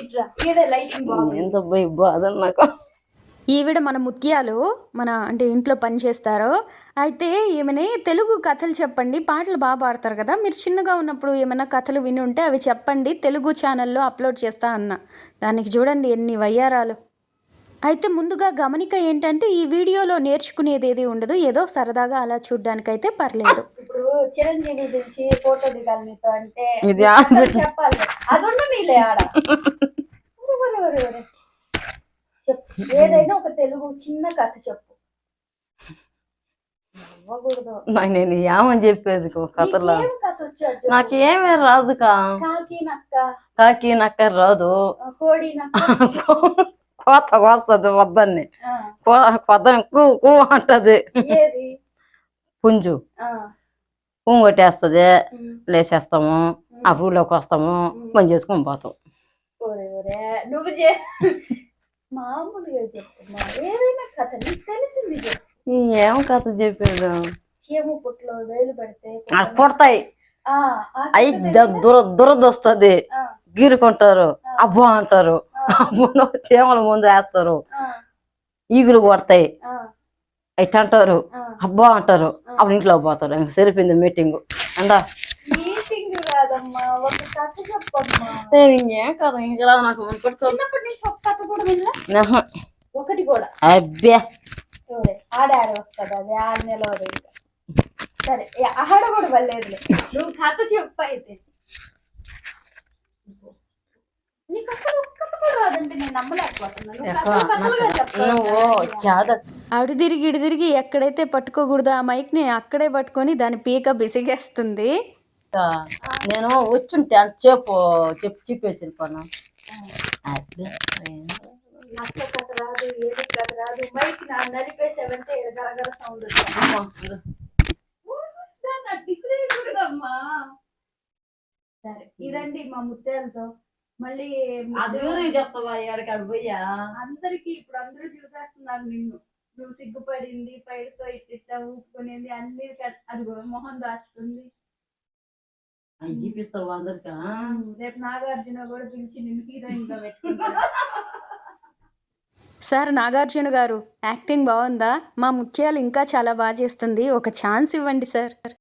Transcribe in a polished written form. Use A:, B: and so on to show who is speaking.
A: ఇట్రా ఈడే లైటింగ్ బాగుంది.
B: ఎంత పోయి బాధ నాకు.
C: ఈవిడ మన ముత్యాలు, మన అంటే ఇంట్లో పని చేస్తారు. అయితే ఈమెని తెలుగు కథలు చెప్పండి, పాటలు బాగా పాడతారు కదా, మీరు చిన్నగా ఉన్నప్పుడు ఏమైనా కథలు విని ఉంటే అవి చెప్పండి, తెలుగు ఛానల్లో అప్లోడ్ చేస్తా అన్న. దానికి చూడండి ఎన్ని వయ్యారాలు. అయితే ముందుగా గమనిక ఏంటంటే ఈ వీడియోలో నేర్చుకునేది ఏది ఉండదు, ఏదో సరదాగా అలా చూడ్డానికైతే పర్లేదు.
A: ఇప్పుడు చిరంజీవి పిలిచి ఫోటో దిగాలి మీతో అంటే
B: ఇది
A: చెప్పాలి, అది నీలే ఆడ. చెప్పు, ఏదైనా ఒక తెలుగు చిన్న కథ చెప్పు.
B: నేను ఏమని చెప్పేది కథలో,
A: కథ వచ్చాడు
B: నాకు ఏమే రాదు. కాకి నక్క రాదు,
A: కోడి నక్క
B: కోత కోస్తుంది వద్దని, పొద్దున్న కూ కూ అంటది. పుంజు కొట్టేస్తుంది, లేచేస్తాము, ఆ ఊళ్ళోకి వస్తాము, పని చేసుకొని పోతాం.
A: నువ్వు మామూలుగా చెప్తున్నా, ఏదైనా కథ నీకు తెలిసింది చెప్పు.
B: ఏం కథ చెప్పాడు?
A: చీమ పుట్లో వేలు పెడితే
B: పుడతాయి, అయి దురదొస్తుంది, గీరుకుంటారు, అబ్బా అంటారు, చీమల ముందు వేస్తారు, ఈగులు కొడతాయి, ఇట్ అంటారు, అబ్బా అంటారు, అప్పుడు ఇంట్లో పోతారు. ఇంక సరిపోయింది మీటింగ్. అందా
A: మీటింగ్ కాదమ్మా, ఒక కథ చెప్పమ్మా.
B: ఏం కథ ఇంకా నాకు
A: చిన్నప్పటి నుంచి ఒక కథ కూడా వినలే, ఒకటి కూడా.
B: అబ్బే
A: ఆడాడ వస్తుంది, అది 6 నెలలు. ఇంకా సరే ఆడ కూడా వల్లేదులే, నువ్వు కథ చెప్పు. అయితే నీకు అసలు ఒక్క కథ కూడా రాదంటే నేను నమ్మలేకపోతున్నాను.
C: అటు తిరిగి ఇటు తిరిగి ఎక్కడైతే పట్టుకోకూడదు ఆ మైక్ని అక్కడే పట్టుకొని దాని పీక బిసిగేస్తుంది.
B: నేను వచ్చుంటే అంత చెప్పు చెప్పేసి వెళ్ళిపోను.
A: అక్క కథ రాదు, ఏది కథ రాదు, మైక్ నలిపేసావంటే గరగర సౌండ్ వస్తుంది. సరే ఇదండి మా ముత్యాలతో. మళ్ళీ
B: చెప్తావా ఎక్కడికాడు పోయా?
A: అందరికి ఇప్పుడు అందరూ చూసేస్తున్నారు నిన్ను, నువ్వు సిగ్గుపడింది, పైడితో ఇట్లా ఊపుకునేది అన్ని, అది మొహం దాచుతుంది.
B: చూపిస్తావు అందరికా?
A: రేపు నాగార్జున కూడా పిలిచి నిన్ను హీరోయిన్ గా పెట్టుకుంటాను.
C: సార్ నాగార్జున గారు యాక్టింగ్ బాగుందా? మా ముత్యాలు ఇంకా చాలా బాగా చేస్తుంది, ఒక ఛాన్స్ ఇవ్వండి సార్.